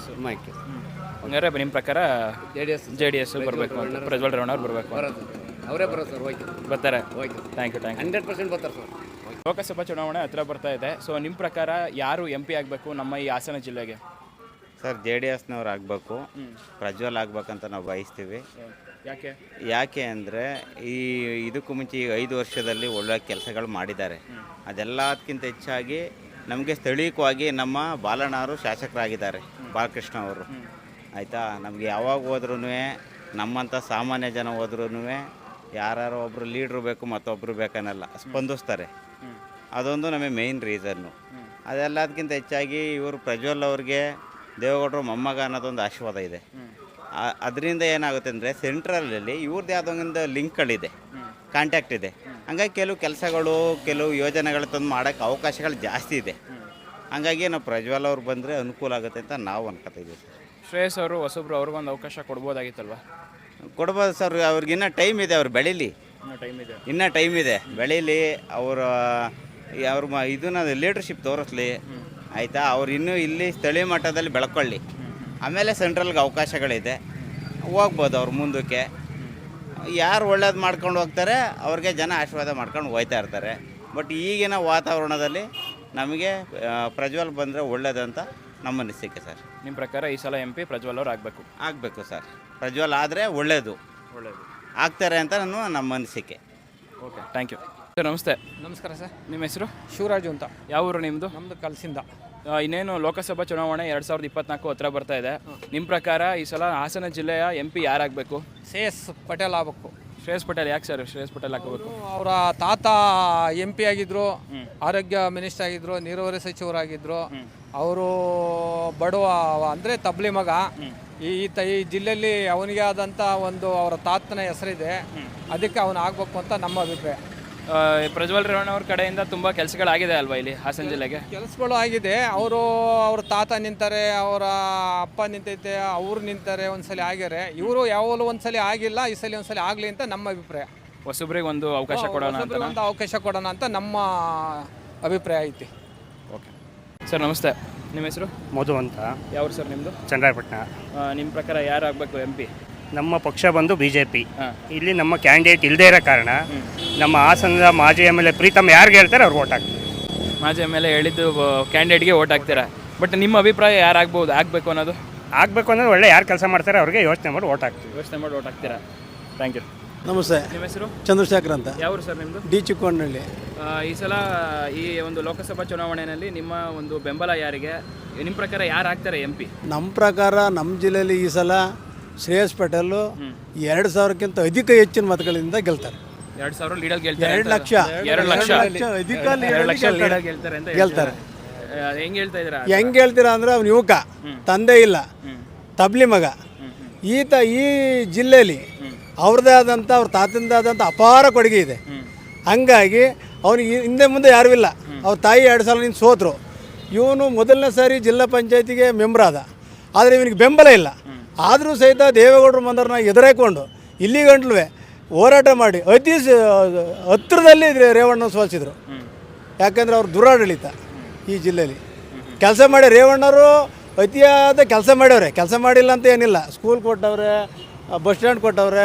[SPEAKER 1] ಹಂಗಾರೆ ನಿಮ್ಮ ಪ್ರಕಾರ
[SPEAKER 8] J D S
[SPEAKER 1] J D S ಬರಬೇಕು ಅಂತ, ಪ್ರಜ್ವಲ್ ರೇವಣ್ಣ ಅವ್ರು ಬರಬೇಕು,
[SPEAKER 8] ಅವರೇ ಬರೋದು ಸರ್. ಓಕೆ,
[SPEAKER 1] ಬರ್ತಾರೆ.
[SPEAKER 8] Okay,
[SPEAKER 1] thank you thank you
[SPEAKER 8] hundred percent ಬರ್ತಾರೆ ಸರ್.
[SPEAKER 1] ಲೋಕಸಭಾ ಚುನಾವಣೆ ಹತ್ರ ಬರ್ತಾ ಇದೆ. ಸೊ ನಿಮ್ಮ ಪ್ರಕಾರ ಯಾರು ಎಂ ಪಿ ಆಗಬೇಕು ನಮ್ಮ ಈ ಹಾಸನ ಜಿಲ್ಲೆಗೆ?
[SPEAKER 9] ಸರ್ ಜೆ ಡಿ ಎಸ್ನವ್ರು ಆಗಬೇಕು, ಪ್ರಜ್ವಲ್ ಆಗ್ಬೇಕಂತ ನಾವು ಬಯಸ್ತೀವಿ.
[SPEAKER 1] ಯಾಕೆ
[SPEAKER 9] ಯಾಕೆ ಅಂದರೆ ಈ ಇದಕ್ಕೂ ಮುಂಚೆ ಈಗ ಐದು ವರ್ಷದಲ್ಲಿ ಒಳ್ಳೆ ಕೆಲಸಗಳು ಮಾಡಿದ್ದಾರೆ. ಅದೆಲ್ಲದಕ್ಕಿಂತ ಹೆಚ್ಚಾಗಿ ನಮಗೆ ಸ್ಥಳೀಯವಾಗಿ ನಮ್ಮ ಬಾಲಣ್ಣವರು ಶಾಸಕರಾಗಿದ್ದಾರೆ, ಬಾಲಕೃಷ್ಣ ಅವರು. ಆಯಿತಾ, ನಮಗೆ ಯಾವಾಗ ಹೋದ್ರೂ ನಮ್ಮಂಥ ಸಾಮಾನ್ಯ ಜನ ಹೋದ್ರೂ ಯಾರು ಒಬ್ಬರು ಲೀಡ್ರು ಬೇಕು ಮತ್ತೊಬ್ಬರು ಬೇಕನ್ನಲ್ಲ, ಸ್ಪಂದಿಸ್ತಾರೆ. ಅದೊಂದು ನಮಗೆ ಮೇಯ್ನ್ ರೀಸನ್ನು. ಅದೆಲ್ಲದಕ್ಕಿಂತ ಹೆಚ್ಚಾಗಿ ಇವರು ಪ್ರಜ್ವಲ್ ಅವ್ರಿಗೆ ದೇವೇಗೌಡರು ಮೊಮ್ಮಗ ಅನ್ನೋದೊಂದು ಆಶೀರ್ವಾದ ಇದೆ. ಅದರಿಂದ ಏನಾಗುತ್ತೆ ಅಂದರೆ ಸೆಂಟ್ರಲಲ್ಲಿ ಇವ್ರದ್ದು ಯಾವುದೊಂದು ಲಿಂಕ್ಗಳಿದೆ, ಕಾಂಟ್ಯಾಕ್ಟ್ ಇದೆ. ಹಂಗಾಗಿ ಕೆಲವು ಕೆಲಸಗಳು ಕೆಲವು ಯೋಜನೆಗಳು ತಂದು ಮಾಡೋಕ್ಕೆ ಅವಕಾಶಗಳು ಜಾಸ್ತಿ ಇದೆ. ಹಂಗಾಗಿ ನಾವು ಪ್ರಜ್ವಲ್ ಅವ್ರು ಬಂದರೆ ಅನುಕೂಲ ಆಗುತ್ತೆ ಅಂತ ನಾವು ಅನ್ಕೋತಿದ್ದೀವಿ ಸರ್.
[SPEAKER 1] ಶ್ರೇಯಸ್ ಅವರು ಹೊಸಬ್ರು, ಅವ್ರಿಗೊಂದು ಅವಕಾಶ ಕೊಡ್ಬೋದಾಗಿತ್ತಲ್ವ?
[SPEAKER 9] ಕೊಡ್ಬೋದು ಸರ್. ಅವ್ರಿಗಿನ್ನೂ ಟೈಮ್ ಇದೆ, ಅವ್ರು ಬೆಳೀಲಿ.
[SPEAKER 1] ಇನ್ನೂ ಟೈಮ್ ಇದೆ
[SPEAKER 9] ಇನ್ನೂ ಟೈಮ್ ಇದೆ ಬೆಳೀಲಿ. ಅವರು ಅವ್ರ ಮ ಇದನ್ನ ಲೀಡರ್ಶಿಪ್ ತೋರಿಸ್ಲಿ. ಆಯಿತಾ, ಅವ್ರು ಇನ್ನೂ ಇಲ್ಲಿ ಸ್ಥಳೀಯ ಮಟ್ಟದಲ್ಲಿ ಬೆಳ್ಕೊಳ್ಳಿ. ಆಮೇಲೆ ಸೆಂಟ್ರಲ್ಗೆ ಅವಕಾಶಗಳಿದೆ, ಹೋಗ್ಬೋದು ಅವ್ರು ಮುಂದಕ್ಕೆ. ಯಾರು ಒಳ್ಳೇದು ಮಾಡ್ಕೊಂಡು ಹೋಗ್ತಾರೆ ಅವ್ರಿಗೆ ಜನ ಆಶೀರ್ವಾದ ಮಾಡ್ಕೊಂಡು ಹೋಗ್ತಾ ಇರ್ತಾರೆ. ಬಟ್ ಈಗಿನ ವಾತಾವರಣದಲ್ಲಿ ನಮಗೆ ಪ್ರಜ್ವಲ್ ಬಂದರೆ ಒಳ್ಳೇದಂತ ನಮ್ಮ ಅನಿಸಿಕೆ ಸರ್.
[SPEAKER 1] ನಿಮ್ಮ ಪ್ರಕಾರ ಈ ಸಲ ಎಂ ಪಿ ಪ್ರಜ್ವಲ್ ಅವ್ರು ಆಗಬೇಕು?
[SPEAKER 9] ಆಗಬೇಕು ಸರ್. ಪ್ರಜ್ವಲ್ ಆದರೆ ಒಳ್ಳೆಯದು,
[SPEAKER 1] ಒಳ್ಳೆಯದು
[SPEAKER 9] ಆಗ್ತಾರೆ ಅಂತ ನಾನು ನಮ್ಮ ಅನಿಸಿಕೆ.
[SPEAKER 1] Okay, thank you sir. ನಮಸ್ತೆ.
[SPEAKER 12] ನಮಸ್ಕಾರ ಸರ್.
[SPEAKER 1] ನಿಮ್ಮ ಹೆಸರು?
[SPEAKER 12] ಶಿವರಾಜು ಅಂತ.
[SPEAKER 1] ಯಾವ ಊರು ನಿಮ್ಮದು?
[SPEAKER 12] ನಮ್ಮದು ಕಲಸಿಂದ.
[SPEAKER 1] ಇನ್ನೇನು ಲೋಕಸಭಾ ಚುನಾವಣೆ ಎರಡು ಸಾವಿರದ ಇಪ್ಪತ್ನಾಲ್ಕು ಹತ್ರ ಬರ್ತಾ ಇದೆ. ನಿಮ್ಮ ಪ್ರಕಾರ ಈ ಸಲ ಹಾಸನ ಜಿಲ್ಲೆಯ ಎಂ ಪಿ ಯಾರಾಗಬೇಕು?
[SPEAKER 12] ಶ್ರೇಯಸ್ ಪಟೇಲ್ ಆಗಬೇಕು.
[SPEAKER 1] ಶ್ರೇಯಸ್ ಪಟೇಲ್ ಯಾಕೆ ಸರ್ ಶ್ರೇಯಸ್ ಪಟೇಲ್ ಹಾಕಬೇಕು?
[SPEAKER 12] ಅವರ ತಾತ ಎಂ ಪಿ ಆಗಿದ್ರು, ಆರೋಗ್ಯ ಮಿನಿಸ್ಟರ್ ಆಗಿದ್ರು, ನೀರಾವರಿ ಸಚಿವರಾಗಿದ್ದರು. ಅವರು ಬಡವ ಅಂದರೆ ತಬ್ಲಿ ಮಗ. ಈ ತ ಈ ಜಿಲ್ಲೆಯಲ್ಲಿ ಅವನಿಗೆ ಆದಂಥ ಒಂದು ಅವರ ತಾತನ ಹೆಸರಿದೆ, ಅದಕ್ಕೆ ಅವನು ಆಗಬೇಕು ಅಂತ ನಮ್ಮ ಅಭಿಪ್ರಾಯ.
[SPEAKER 1] ಪ್ರಜ್ವಲ್ ರೇವಣ್ಣ ಅವ್ರ ಕಡೆಯಿಂದ ತುಂಬ ಕೆಲಸಗಳಾಗಿದೆ ಅಲ್ವಾ ಇಲ್ಲಿ ಹಾಸನ ಜಿಲ್ಲೆಗೆ?
[SPEAKER 12] ಕೆಲಸಗಳು ಆಗಿದೆ. ಅವರು ಅವ್ರ ತಾತ ನಿಂತಾರೆ, ಅವರ ಅಪ್ಪ ನಿಂತೈತೆ, ಅವ್ರು ನಿಂತಾರೆ, ಒಂದ್ಸಲಿ ಆಗ್ಯಾರೆ. ಇವರು ಯಾವಾಗಲೂ ಒಂದ್ಸಲಿ ಆಗಿಲ್ಲ, ಈ ಸಲ ಒಂದ್ಸಲಿ ಆಗಲಿ ಅಂತ ನಮ್ಮ ಅಭಿಪ್ರಾಯ.
[SPEAKER 1] ಹೊಸಬ್ರಿಗೆ ಒಂದು ಅವಕಾಶ ಕೊಡೋಣ ಅಂತ
[SPEAKER 12] ಒಂದು ಅವಕಾಶ ಕೊಡೋಣ ಅಂತ ನಮ್ಮ ಅಭಿಪ್ರಾಯ ಐತಿ.
[SPEAKER 1] ಓಕೆ ಸರ್, ನಮಸ್ತೆ. ನಿಮ್ಮ ಹೆಸರು?
[SPEAKER 5] ಮಧು ಅಂತ.
[SPEAKER 1] ಯಾವ ಸರ್ ನಿಮ್ಮದು?
[SPEAKER 5] ಚನ್ನರಾಯಪಟ್ಟಣ.
[SPEAKER 1] ನಿಮ್ಮ ಪ್ರಕಾರ ಯಾರು ಆಗಬೇಕು ಎಂ ಪಿ?
[SPEAKER 5] ನಮ್ಮ ಪಕ್ಷ ಬಂದು ಬಿ ಜೆ ಪಿ. ಇಲ್ಲಿ ನಮ್ಮ ಕ್ಯಾಂಡಿಡೇಟ್ ಇಲ್ಲದೇ ಇರೋ ಕಾರಣ ನಮ್ಮ ಹಾಸನದ ಮಾಜಿ ಎಮ್ ಎಲ್ ಎ ಪ್ರೀತಮ್ ಯಾರಿಗೆ ಹೇಳ್ತಾರೆ ಅವ್ರು ಓಟ್ ಹಾಕ್ತೀವಿ.
[SPEAKER 1] ಮಾಜಿ ಎಮ್ ಎಲ್ ಎ ಹೇಳಿದ್ದು ಕ್ಯಾಂಡಿಡೇಟ್ಗೆ ಓಟ್ ಹಾಕ್ತೀರಾ. ಬಟ್ ನಿಮ್ಮ ಅಭಿಪ್ರಾಯ ಯಾರಾಗ್ಬೋದು, ಆಗಬೇಕು ಅನ್ನೋದು?
[SPEAKER 5] ಆಗಬೇಕು ಅನ್ನೋದು ಒಳ್ಳೆ ಯಾರು ಕೆಲಸ ಮಾಡ್ತಾರೆ ಅವ್ರಿಗೆ ಯೋಚನೆ ಮಾಡಿ ಓಟ್ ಹಾಕ್ತೀವಿ.
[SPEAKER 1] ಯೋಚನೆ ಮಾಡಿ ಓಟ್ ಹಾಕ್ತೀರಾ. Thank you.
[SPEAKER 10] ನಮಸ್ತೆ.
[SPEAKER 1] ನಿಮ್ಮ ಹೆಸರು?
[SPEAKER 10] ಚಂದ್ರಶೇಖರ್ ಅಂತ.
[SPEAKER 1] ಯಾವ ಸರ್ ನಿಮ್ಮದು?
[SPEAKER 10] ಡಿ ಚಿಕ್ಕೋನಹಳ್ಳಿ.
[SPEAKER 1] ಈ ಸಲ ಈ ಒಂದು ಲೋಕಸಭಾ ಚುನಾವಣೆಯಲ್ಲಿ ನಿಮ್ಮ ಒಂದು ಬೆಂಬಲ ಯಾರಿಗೆ? ನಿಮ್ಮ ಪ್ರಕಾರ ಯಾರು ಆಗ್ತಾರೆ ಎಂ ಪಿ?
[SPEAKER 10] ನಮ್ಮ ಪ್ರಕಾರ ನಮ್ಮ ಜಿಲ್ಲೆಯಲ್ಲಿ ಈ ಸಲ ಶ್ರೇಯಸ್ ಪಟೇಲು ಎರಡು ಸಾವಿರಕ್ಕಿಂತ ಅಧಿಕ ಹೆಚ್ಚಿನ ಮತಗಳಿಂದ ಗೆಲ್ತಾರೆ.
[SPEAKER 1] ಎರಡು ಸಾವಿರ ಲೀಡಲ್ಲಿ ಗೆಲ್ತಾರೆ.
[SPEAKER 10] ಎರಡು ಲಕ್ಷ
[SPEAKER 1] ಎರಡು ಲಕ್ಷ
[SPEAKER 10] ಅಧಿಕ
[SPEAKER 1] ಎರಡು ಲಕ್ಷ ಲೀಡಲ್ಲಿ ಗೆಲ್ತಾರೆ ಅಂತ
[SPEAKER 10] ಗೆಲ್ತಾರೆ.
[SPEAKER 1] ಹೆಂಗೆ ಹೇಳ್ತಾ ಇದ್ದೀರಾ?
[SPEAKER 10] ಹೆಂಗೆ ಹೇಳ್ತೀರಾ ಅಂದರೆ ಅವ್ನು ಯುವಕ, ತಂದೆ ಇಲ್ಲ, ತಬ್ಲಿ ಮಗ. ಈತ ಈ ಜಿಲ್ಲೆಯಲ್ಲಿ ಅವ್ರದ್ದೇ ಆದಂಥ ಅವ್ರ ತಾತಂದೇ ಆದಂಥ ಅಪಾರ ಕೊಡುಗೆ ಇದೆ. ಹಂಗಾಗಿ ಅವನಿಗೆ ಹಿಂದೆ ಮುಂದೆ ಯಾರೂ ಇಲ್ಲ. ಅವ್ರ ತಾಯಿ ಎರಡು ಸಲ ನಿಂತು ಸೋತರು. ಇವನು ಮೊದಲನೇ ಸಾರಿ ಜಿಲ್ಲಾ ಪಂಚಾಯತಿಗೆ ಮೆಂಬರ್ ಆದ, ಆದರೆ ಇವನಿಗೆ ಬೆಂಬಲ ಇಲ್ಲ. ಆದರೂ ಸಹಿತ ದೇವೇಗೌಡರು ಮಂದರನ್ನ ಎದುರಾಕೊಂಡು ಇಲ್ಲಿ ಗಂಟ್ಲು ಹೋರಾಟ ಮಾಡಿ ಅತಿ ಹತ್ತಿರದಲ್ಲಿ ರೇವಣ್ಣ ಸೋಲಿಸಿದ್ರು. ಯಾಕಂದರೆ ಅವ್ರು ದುರಾಡಳಿತ ಈ ಜಿಲ್ಲೆಯಲ್ಲಿ ಕೆಲಸ ಮಾಡಿ ರೇವಣ್ಣವರು ಅತಿಯಾದ ಕೆಲಸ ಮಾಡ್ಯವ್ರೆ. ಕೆಲಸ ಮಾಡಿಲ್ಲ ಅಂತ ಏನಿಲ್ಲ. ಸ್ಕೂಲ್ ಕೊಟ್ಟವ್ರೆ, ಬಸ್ ಸ್ಟ್ಯಾಂಡ್ ಕೊಟ್ಟವ್ರೆ,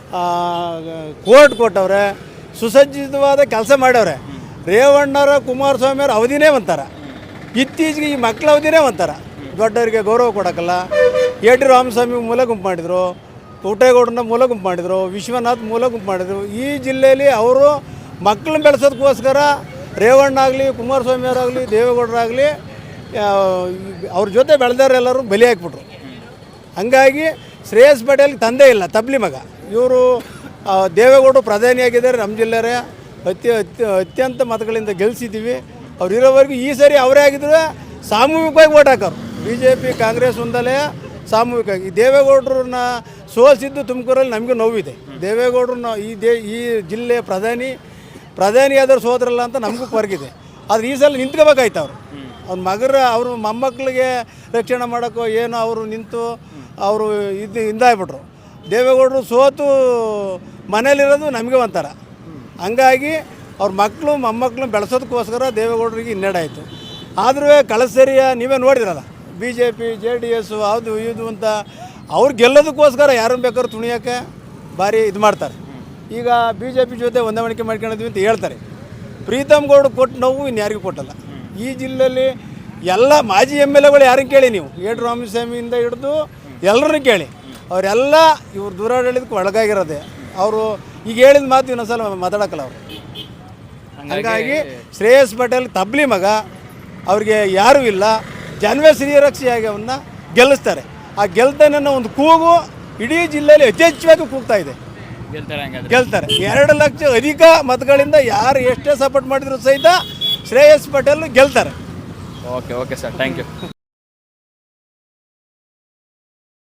[SPEAKER 10] ಕೋರ್ಟ್ ಕೊಟ್ಟವ್ರೆ, ಸುಸಜ್ಜಿತವಾದ ಕೆಲಸ ಮಾಡ್ಯವ್ರೆ. ರೇವಣ್ಣರ ಕುಮಾರಸ್ವಾಮಿಯವ್ರ ಅವಧಿನೇ ಒಂಥರ, ಇತ್ತೀಚೆಗೆ ಈ ಮಕ್ಕಳ ಅವಧಿನೇ ಒಂಥರ. ದೊಡ್ಡವರಿಗೆ ಗೌರವ ಕೊಡೋಕ್ಕಲ್ಲ. ಎ ಟಿ ರಾಮಸ್ವಾಮಿ ಮೂಲ ಗುಂಪು ಮಾಡಿದರು, ಪುಟ್ಟೇಗೌಡರನ್ನ ಮೂಲ ಗುಂಪು ಮಾಡಿದರು, ವಿಶ್ವನಾಥ್ ಮೂಲ ಗುಂಪು ಮಾಡಿದರು. ಈ ಜಿಲ್ಲೆಯಲ್ಲಿ ಅವರು ಮಕ್ಕಳನ್ನ ಬೆಳೆಸೋದಕ್ಕೋಸ್ಕರ ರೇವಣ್ಣ ಆಗಲಿ, ಕುಮಾರಸ್ವಾಮಿಯವರಾಗಲಿ, ದೇವೇಗೌಡರಾಗಲಿ ಅವ್ರ ಜೊತೆ ಬೆಳೆದವರೆಲ್ಲರೂ ಬಲಿ ಹಾಕ್ಬಿಟ್ರು. ಹಂಗಾಗಿ ಶ್ರೇಯಸ್ ಪಟೇಲ್ ತಂದೆ ಇಲ್ಲ, ತಬ್ಲಿ ಮಗ. ಇವರು ದೇವೇಗೌಡರು ಪ್ರಧಾನಿಯಾಗಿದ್ದಾರೆ, ನಮ್ಮ ಜಿಲ್ಲೆಯವರೇ ಅತ್ಯ ಅತ್ಯ ಅತ್ಯಂತ ಮತಗಳಿಂದ ಗೆಲ್ಲಿಸಿದ್ದೀವಿ. ಅವ್ರು ಇರೋವರೆಗೂ ಈ ಸರಿ ಅವರೇ ಆಗಿದ್ರೆ ಸಾಮೂಹಿಕವಾಗಿ ಓಟ್ ಹಾಕೋರು. ಬಿ ಜೆ ಪಿ ಕಾಂಗ್ರೆಸ್ ಒಂದಲೇ ಸಾಮೂಹಿಕವಾಗಿ ದೇವೇಗೌಡರನ್ನ ಸೋಲಿಸಿದ್ದು ತುಮಕೂರಲ್ಲಿ ನಮಗೂ ನೋವಿದೆ. ದೇವೇಗೌಡರನ್ನ ಈ ದೇ ಈ ಜಿಲ್ಲೆ ಪ್ರಧಾನಿ ಪ್ರಧಾನಿಯಾದರೂ ಸೋದ್ರಲ್ಲ ಅಂತ ನಮಗೂ ಕೊರಗಿದೆ. ಆದರೆ ಈ ಸಲ ನಿಂತ್ಕೋಬೇಕಾಯ್ತು ಅವರು. ಅವ್ರ ಮಗರ ಅವರು ಮೊಮ್ಮಕ್ಕಳಿಗೆ ರಕ್ಷಣೆ ಮಾಡೋಕ್ಕೋ ಏನೋ ಅವರು ನಿಂತು ಅವರು ಇದು ಹಿಂದಾಗ್ಬಿಟ್ರು. ದೇವೇಗೌಡರು ಸೋತು ಮನೇಲಿರೋದು ನಮಗೆ ಒಂಥರ. ಹಂಗಾಗಿ ಅವ್ರ ಮಕ್ಕಳು ಮೊಮ್ಮಕ್ಕಳು ಬೆಳೆಸೋದಕ್ಕೋಸ್ಕರ ದೇವೇಗೌಡರಿಗೆ ಹಿನ್ನಡೆ ಆಯಿತು. ಆದರೂ ಕಳೆದ ಸರಿಯ ನೀವೇ ನೋಡಿದ್ರಲ್ಲ, B J P J D S ಅದು ಇದು ಅಂತ ಅವ್ರು ಗೆಲ್ಲೋದಕ್ಕೋಸ್ಕರ ಯಾರನ್ನು ಬೇಕಾದ್ರೂ ತುಣಿಯೋಕ್ಕೆ ಭಾರಿ ಇದು ಮಾಡ್ತಾರೆ. ಈಗ ಬಿ ಜೆ ಪಿ ಜೊತೆ ಹೊಂದಾಣಿಕೆ ಮಾಡ್ಕೊಂಡಿದ್ವಿ ಅಂತ ಹೇಳ್ತಾರೆ. ಪ್ರೀತಮ್ ಗೌಡ ಕೊಟ್ಟು ನೋವು ಇನ್ಯಾರಿಗೂ ಕೊಟ್ಟಲ್ಲ. ಈ ಜಿಲ್ಲೆಯಲ್ಲಿ ಎಲ್ಲ ಮಾಜಿ ಎಮ್ ಎಲ್ ಎಗಳು ಯಾರನ್ನು ಕೇಳಿ ನೀವು, ಏಡು ರಾಮಸ್ವಾಮಿಯಿಂದ ಹಿಡಿದು ಎಲ್ಲರನ್ನೂ ಕೇಳಿ, ಅವರೆಲ್ಲ ಇವ್ರು ದೂರಾಡಳಿತಕ್ಕೆ ಒಳಗಾಗಿರೋದೆ. ಅವರು ಈಗ ಹೇಳಿದ ಮಾತು ಇನ್ನೊಂದ್ಸಲ ಮಾತಾಡೋಕ್ಕಲ್ಲ ಅವರು. ಹಾಗಾಗಿ ಶ್ರೇಯಸ್ ಪಟೇಲ್ ತಬ್ಲಿ ಮಗ, ಅವ್ರಿಗೆ ಯಾರೂ ಇಲ್ಲ. ಜಾನ್ವೇ ಶ್ರೀರಕ್ಷಿಯಾಗಿ ಅವನ್ನ ಗೆಲ್ಲಿಸ್ತಾರೆ. ಆ ಗೆಲ್ತಾನೆ ಒಂದು ಕೂಗು ಇಡೀ ಜಿಲ್ಲೆಯಲ್ಲಿ ಯಥೇಚ್ಛವಾಗಿ ಕೂಗ್ತಾ ಇದೆ. ಗೆಲ್ತಾರೆ. ಎರಡು ಲಕ್ಷ ಅಧಿಕ ಮತಗಳಿಂದ ಯಾರು ಎಷ್ಟೇ ಸಪೋರ್ಟ್ ಮಾಡಿದ್ರು ಸಹಿತ ಶ್ರೇಯಸ್ ಪಟೇಲ್ ಗೆಲ್ತಾರೆ.
[SPEAKER 1] Okay okay sir, thank you.